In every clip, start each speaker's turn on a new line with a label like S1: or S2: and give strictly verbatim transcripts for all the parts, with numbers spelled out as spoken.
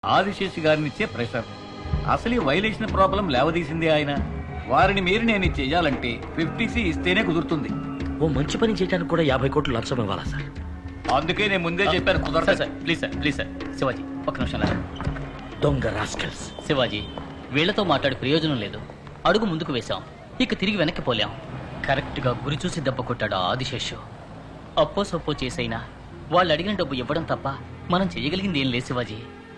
S1: ఆదిశేషి గారినిచ్చే pressure. అసలు ఈ violation problem లేవదీసింది ఆయన. వారిని మీరు నేను చెయ్యాలంటే ఫిఫ్టీ సి ఇస్తేనే కుదురుతుంది.
S2: ఓ మంచి పని చేయడానికి కూడా యాభై కోట్లు లంచం ఇవ్వాలా సార్?
S1: అందుకే నేను ముందే చెప్పాను కుదరదు
S3: sir. Please sir, please sir. Shivaji ఒక్క నిమిషం లాగా.
S2: దొంగ రాస్కల్స్.
S3: శివాజీ, వీళ్లతో మాట్లాడి ప్రయోజనం లేదు. అడుగు ముందుకు వేశాం, ఇక తిరిగి వెనక్కి పోలేం. కరెక్ట్ గా గురి చూసి దెబ్బ కొట్టాడు ఆదిశేషు. అప్పో సొప్పో చేసైనా వాళ్ళు అడిగిన డబ్బు ఇవ్వడం తప్ప మనం చేయగలిగింది ఏం లేదు శివాజీ.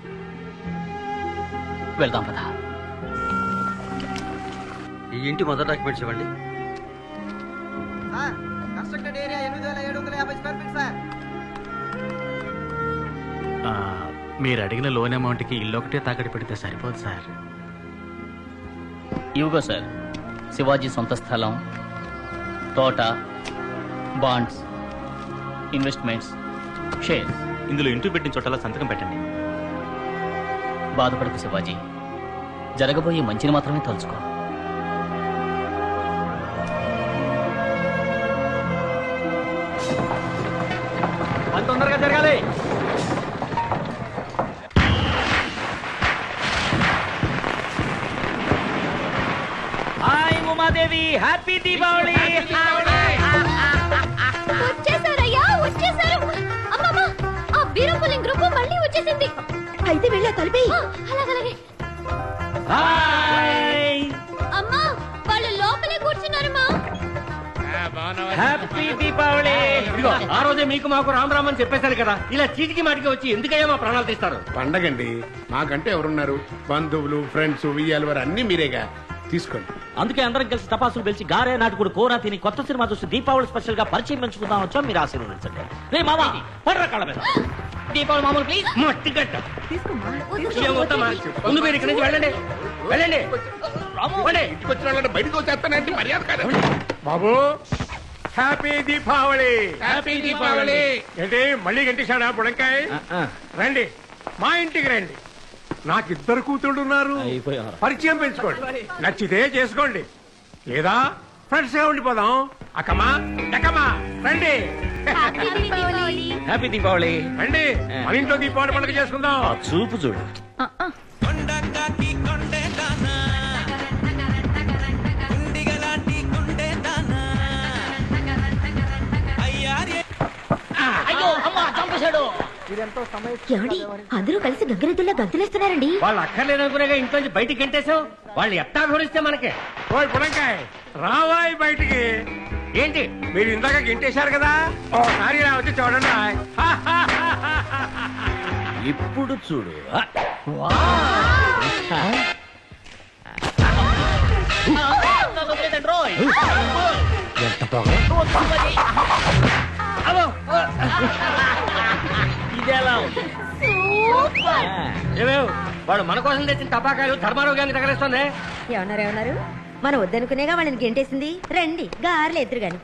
S3: వెళ్దాం పదా.
S2: ఈ ఇంటి మొదటి డాక్యుమెంట్స్ ఇవ్వండి.
S4: మీరు అడిగిన లోన్ అమౌంట్ కి ఇల్లు ఒకటే తాకట్టు పెడితే సరిపోదు సార్.
S3: ఇవిగో సార్, శివాజీ సొంత స్థలం, తోట, బాండ్స్, ఇన్వెస్ట్మెంట్స్, షేర్స్.
S4: ఇందులో ఇంటూ పెట్టిన చోటలా సంతకం పెట్టండి.
S3: బాధపడకు శివాజీ, జరగబోయే మంచిని మాత్రమే తలుచుకో.
S2: అంత తొందరగా జరగాలి. Hi Umadevi, happy Deepavali.
S5: వచ్చేసారయ్యా, వచ్చేసారు. అమ్మమ్మ, ఆ వీరపులింగ్ గ్రూప్ మళ్ళీ వచ్చేసింది. అయితే వెళ్ళా తలిపి. అలాగలాగే.
S2: హాయ్,
S5: అమ్మా, వాళ్ళు లోపలే కూర్చున్నారమ్మా.
S2: హ్యాపీ దీపావళి. ఇదిగో ఆ రోజే మీకు మాకు రామ్ రామ్ అని చెప్పేశారు కదా, ఇలా చీటికి మాటికి వచ్చి ఎందుకయ్యా మా ప్రాణాలు తీస్తారు?
S6: పండగండి, మాకంటే ఎవరున్నారు? బంధువులు, ఫ్రెండ్స్, వియ్యాలు వారు అన్ని మీరేగా, తీసుకోండి.
S2: అందుకే అందరం కలిసి టపాసులు పిలిచి గారే నాటుకుడు కూర తిని కొత్త సినిమా చూసి దీపావళి స్పెషల్ గా పరిచయం పెంచుకుందాం వచ్చాం. మీరు ఆశీర్వదించండి. రే మామా, పడరా కాళ్ళ మీద.
S3: దీపావళి మామూలు ప్లీజ్.
S2: మట్టి గట్ట ముందు మీరు ఇక్కడి నుంచి వెళ్ళండి, వెళ్ళండి.
S6: ఇంటికి వచ్చిన వాళ్ళని బయటకు వచ్చేస్తానంటే మర్యాద కాదు.
S7: బాబు, హ్యాపీ దీపావళి.
S6: హ్యాపీ దీపావళి.
S7: ఏంటి మళ్ళీ గంటేశాడా బుడంకాయ? రండి, మా ఇంటికి రండి. నాకు ఇద్దరు కూతుళ్ళు ఉన్నారు, పరిచయం పెంచుకోండి. నచ్చితే చేసుకోండి, లేదా ఫ్రెండ్స్ గా ఉండిపోదాం. అక్కమ్మా, ఎక్కమ్మా, రండి.
S2: హ్యాపీ దీపావళి.
S7: రండి, మన ఇంట్లో దీపావళి పండుగ చేసుకుందాం.
S2: చూపు చూడు.
S5: ఏమండి, అందరూ కలిసి గంగిరెద్దుల్లా గంతులేస్తున్నారండి.
S2: వాళ్ళు అక్కర్లేదనుకునేగా ఇంట్లోంచి బయటికి గంటేశావు. వాళ్ళు ఎట్టా వివరిస్తే మనకే.
S7: ఓయ్ బుడంకాయ, రావాయి బయటికి.
S2: ఏంటి
S7: మీరు ఇందాక గింటేశారు కదా, ఓసారి ఇలా వచ్చి చూడండి.
S2: ఇప్పుడు చూడు. ఎంత బాగా ఇదేలా ఏమేవ్ వాడు మన కోసం తెచ్చిన టపాకాయలు ధర్మారావు గారిని తగలేస్తుంది.
S5: ఏమన్నారు ఏమన్నారు? మనం వద్దనుకునేగా వాళ్ళని గెంటేసింది. రండి, గారెలు ఎదురు గాని.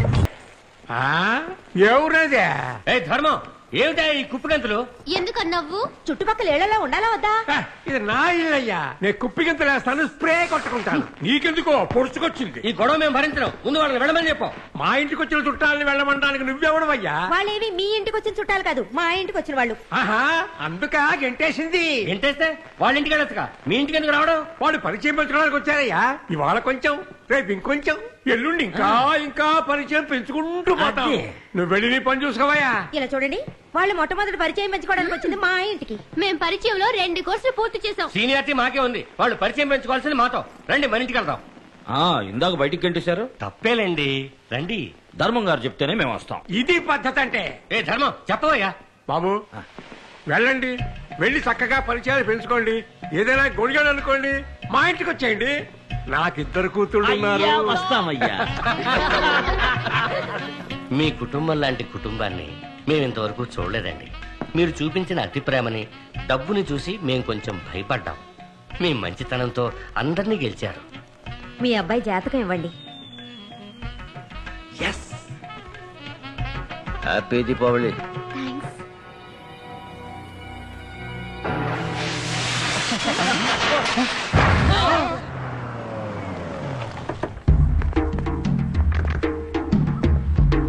S7: ఎవరదే?
S2: ఏ ధర్మం, ఏమిటా ఈ కుప్పిగంతులు?
S5: ఎందుకన్నావు? చుట్టుపక్కల ఏళ్లలో ఉండాలా వద్దా?
S7: ఇది నా ఇల్లయ్యా, నేను కుప్పిగింతలు వేస్తాను, స్ప్రే కొట్టుకుంటాను. నీకెందుకో పొడుచుకొచ్చింది.
S2: ఈ గొడవ మేము భరించడం, ముందు వాళ్ళని వెళ్ళమని చెప్పాం.
S7: మా ఇంటికి వచ్చిన చుట్టాలని వెళ్ళమంటానికి నువ్వెవడవయ్యా?
S5: వాళ్ళేవి మీ ఇంటికి వచ్చిన చుట్టాలు కాదు, మా ఇంటికి వచ్చిన వాళ్ళు.
S7: ఆహా, అందుక గెంటేసింది.
S2: ఏంటేస్తే వాళ్ళ ఇంటికి వెళ్ళొచ్చుగా, మీ ఇంటికి ఎందుకు రావడం?
S7: వాడు పరిచయం పెంచుకోవడానికి వచ్చారయ్యా. ఇవాళ కొంచెం, రేపు ఇంకొంచెం, ఎల్లుండి ఇంకా ఇంకా పరిచయం పెంచుకుంటూ పోతాం. నువ్వు వెళ్ళి నీ పని చూసుకోవయ్యా.
S5: ఇలా చూడండి, వాళ్ళు మొట్టమొదటి పరిచయం పెంచుకోవడానికి వచ్చింది మా ఇంటికి. మేము పరిచయంలో రెండు కోర్సులు పూర్తి చేసాం.
S2: సీనియారిటీ మాకే ఉంది, వాళ్ళు పరిచయం పెంచుకోవాల్సింది మాతో. రండి, మన ఇంటికి వెళ్దాం. ఇందాక బయటికి గంటేశారు, తప్పేలేండి. రండి, ధర్మం గారు చెప్తేనే మేము వస్తాం.
S7: ఇది పద్ధతి అంటే.
S2: ఏ ధర్మం, చెప్పవయ్యా.
S7: బాబు వెళ్ళండి, వెళ్ళి చక్కగా పరిచయాలు పెంచుకోండి. ఏదైనా గొడిగాడు అనుకోండి, మా ఇంటికి వచ్చేయండి. నాకిద్దరు కూతుళ్ళు ఉన్నారు.
S2: వస్తామయ్యా.
S8: మీ కుటుంబం లాంటి కుటుంబాన్ని మేము ఇంతవరకు చూడలేదండి. మీరు చూపించిన అతి ప్రేమని, డబ్బుని చూసి మేము కొంచెం భయపడ్డాం. మీ మంచితనంతో అందరినీ గెలిచారు.
S5: మీ అబ్బాయి జాతకం ఇవ్వండి.
S2: హ్యాపీ దీపావళి.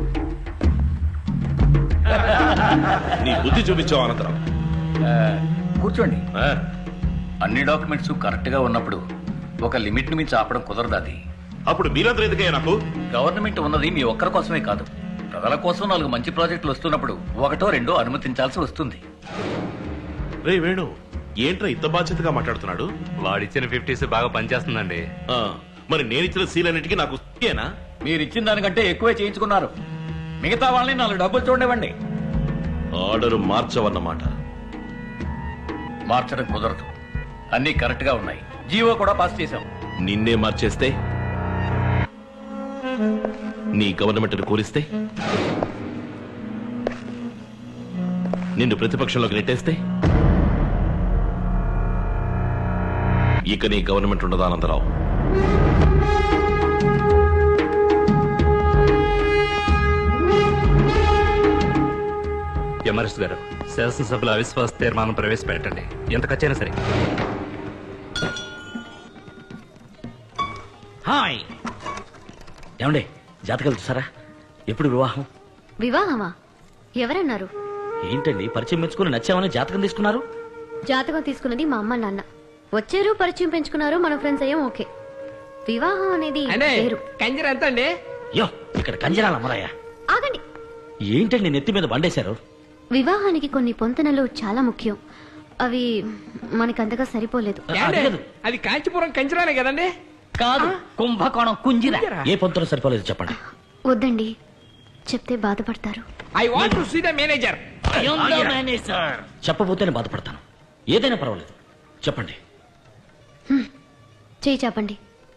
S9: నీ బుద్ధి చూపించావు అనంతరం.
S1: కూర్చోండి.
S2: ఆ,
S1: అన్ని డాక్యుమెంట్స్ కరెక్ట్ గా ఉన్నప్పుడు ఒక లిమిట్ ని మించి ఆపడం కుదరదు. అది
S9: అప్పుడు మీరందరూ ఎందుకయ్యా నాకు?
S1: గవర్నమెంట్ ఉన్నది మీ ఒక్కరి కోసమే కాదు, ప్రజల కోసం నాలుగు మంచి ప్రాజెక్టులు వస్తున్నప్పుడు ఒకటో రెండో అనుమతించాల్సి వస్తుంది.
S9: రే వేణు, ఏంట్రా ఇంత బాధ్యతగా మాట్లాడుతున్నాడు?
S10: వాడిచ్చిన ఫిఫ్టీస్ బాగా పనిచేస్తుందండి.
S9: ఆ, మరి నేనిచ్చిన సీలన్నిటికీ నాకు ఏనా?
S1: మీరు ఇచ్చిన దానికంటే ఎక్కువే చేయించుకున్నారు. మిగతా వాళ్ళని నాలుగు డబ్బులు చూడనివ్వండి.
S9: ఆర్డర్ మార్చవన్నమాట.
S1: మార్చడం కుదరదు, అన్ని కరెక్ట్ గా ఉన్నాయి. జీవో కూడా పాస్ చేశాం.
S9: నిన్నే మార్చేస్తే, నీ గవర్నమెంట్ కూలిస్తే, నిన్ను ప్రతిపక్షంలోకి నెట్టేస్తే ఇక నీ గవర్నమెంట్ ఉండదా అనంతరావు?
S10: ఎంఆర్ఎస్ గారు, శాసనసభలో అవిశ్వాస తీర్మానం ప్రవేశపెట్టండి, ఎంత ఖర్చైనా సరే.
S2: హాయ్ ఏమండి, జాతకాలు చూసారా? ఎప్పుడు వివాహం?
S5: వివాహమా? ఎవరన్నారు?
S2: ఏంటండి పరిచయం పెంచుకుని నచ్చామని జాతకం తీసుకున్నారు?
S5: జాతకం తీసుకున్నది మా అమ్మ నాన్న. వచ్చారు, పరిచయం పెంచుకున్నారు, మన ఫ్రెండ్స్ అయ్యాం. ఓకే. వివాహం అనేది వేరు.
S7: కంజర ఎంత అండి?
S2: యో, ఇక్కడ కంజరాల అమ్మరాయ.
S5: ఆగండి.
S2: ఏంటండి నెత్తి మీద బండేశారు?
S5: వివాహానికి కొన్ని పొంతనలు చాలా ముఖ్యం. అవి మనకంతగా సరిపోలేదు.
S2: అది కాదు.
S7: అది కాంచీపురం కంజరానే కదండి?
S3: కాదు, కుంభకోణం కుంజిరా.
S2: ఏ పొంతలో సరిపోలేదు చెప్పండి.
S5: వద్దండి, చెప్తే బాధపడతారు.
S7: I want to see the manager.
S2: చెప్పబోతేనే బాధపడతాను. ఏదైనా పర్వాలేదు, చెప్పండి.
S5: చేయి చాపండి.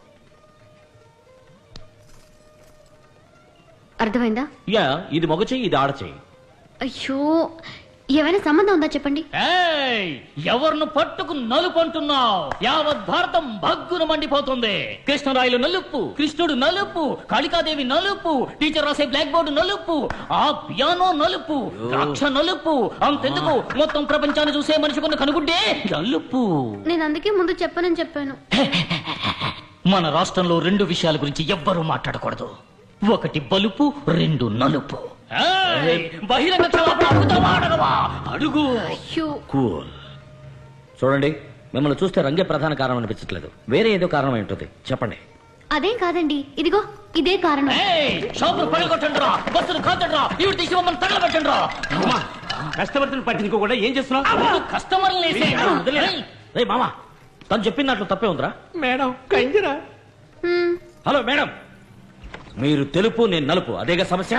S5: అర్థమైందా?
S2: యా, ఇది మగ చెయ్యి, ఇది ఆడ చెయ్యి.
S5: అయ్యో, ఏమైనా సంబంధం ఉందా చెప్పండి.
S3: ఏయ్, ఎవరిని పట్టుకు నలుపు అంటున్నావు? యావత్ భారతం భగ్గున మండిపోతుంది. కృష్ణరాయలు నలుపు, కృష్ణుడు నలుపు, కాళికాదేవి నలుపు, టీచర్ రాసే బ్లాక్ బోర్డు నలుపు, ఆ పియానో నలుపు, ద్రాక్ష నలుపు, అంతెందుకు మొత్తం ప్రపంచాన్ని చూసే మనిషికున్న కనుగుడ్డే నలుపు.
S5: నేను అందుకే ముందు చెప్పనని చెప్పాను.
S3: మన రాష్ట్రంలో రెండు విషయాల గురించి ఎవ్వరూ మాట్లాడకూడదు. ఒకటి బలుపు, రెండు నలుపు. ఏయ్, బహిరంగ క్షమాపణ అడుగుతావా అడగవా? అడుగు.
S5: అయ్యో,
S2: కూల్. చూడండి, మిమ్మల్ని చూస్తే రంగే ప్రధాన కారణం అనిపించట్లేదు. వేరే ఏదో కారణం ఏంటది చెప్పండి.
S5: అదేం కాదండి, ఇదిగో ఇదే కారణం.
S3: ఏయ్, షాపులు పగలగొట్టండి రా, బస్సులు కాల్చండి రా, ఇవి తీసి మమ్మల్ని తగలబెట్టండి రా.
S2: కస్టమర్లను పట్టించుకోకుండా ఏం చేస్తున్నావు?
S3: కస్టమర్లు
S2: రే మామా, తను చెప్పిన దాంట్లో తప్పే ఉందిరా.
S7: మేడం కంజరా.
S5: హ్మ్,
S2: హలో మేడం, మీరు తెలుపు, నేను నలుపు, అదేగా సమస్య?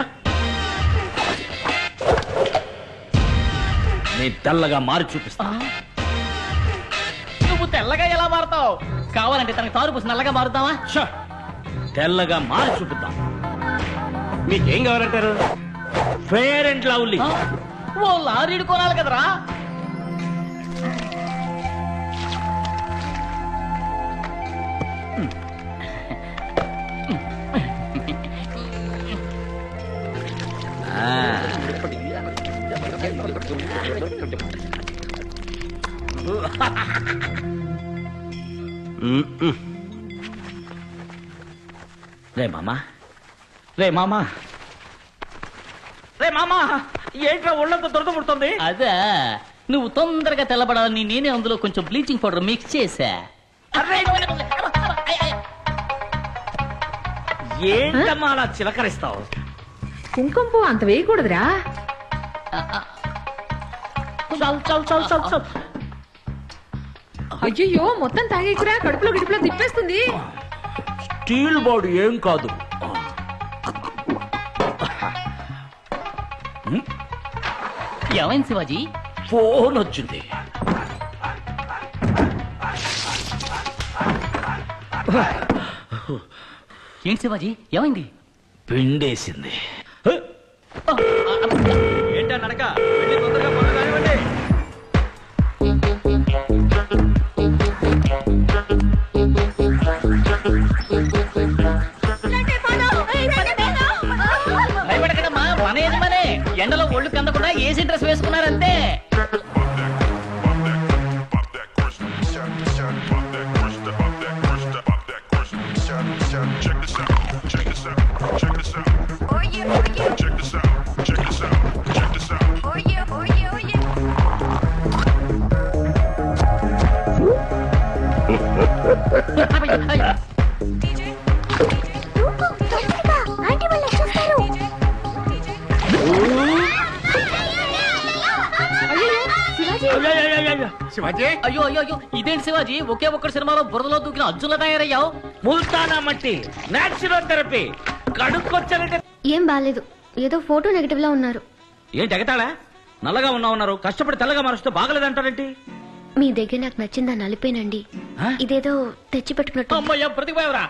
S2: నేను తెల్లగా మారి చూపిస్తా.
S3: నువ్వు తెల్లగా ఎలా మారుతావు? కావాలంటే తనకి తారు పూసి నల్లగా మారుతావా?
S2: షా, తెల్లగా మారి చూపిద్దాం.
S7: మీకేం కావాలంటారు?
S2: Fair and lovely.
S3: ఓ లారీడు కొనాలి కదరా.
S2: రే మామా, రే మామా, రే మామా, ఏంట్రా ఒళ్ళంతా దొరద పుడుతుంది?
S3: అదే, నువ్వు తొందరగా తెల్లబడాలని నేనే అందులో కొంచెం బ్లీచింగ్ పౌడర్ మిక్స్ చేశా.
S2: ఏంటమ్మా అలా చిలకరిస్తావు?
S11: కుంకుమ పువ్వు అంత వేయకూడదురా.
S3: చాలు చాలు చాలు చాలు చాలు.
S11: అయ్యో, మొత్తం తాగేకురా, కడుపులో గిడుపులో తిప్పేస్తుంది.
S2: స్టీల్ బాడీ ఏం కాదు.
S3: ఏమైంది శివాజీ?
S2: ఫోన్ వచ్చింది.
S3: ఏంటి శివాజీ, ఏమైంది?
S2: పిండేసింది. ఏంటా నడక? వెళ్ళి తొందరగా పనులు కానివ్వండి.
S3: భయపడకడమ్మా, మన ఏది మనే. ఎండలో ఒళ్ళు కందకుండా ఏసీ డ్రెస్ వేసుకున్నారంతే.
S5: ఆంటీ వాళ్ళు వచ్చేస్తారు.
S6: శివాజీ
S3: అయ్యో అయ్యో అయ్యో ఇదేంటి శివాజీ ఒకే ఒక్కటి సినిమాలో బురదలో దూకిన అర్జున్లా తయారయ్యావు.
S2: ముల్తానా మట్టి నేచురల్ థెరపీ కడుక్కొచ్చారంటే
S5: ఏం బాలేదు, ఏదో ఫోటో నెగటివ్ లా ఉన్నారు.
S2: ఏంటి ఎగతాళా? నల్లగా ఉన్నా ఉన్నారు, కష్టపడి తెల్లగా మారుస్తూ బాగలేదంటారేంటి?
S5: మీ దగ్గర నాకు నచ్చిందా నలిపేనండి. ఇదేదో తెచ్చి పెట్టుకున్నట్టు.
S3: అమ్మయ్య ప్రతిపోయావరా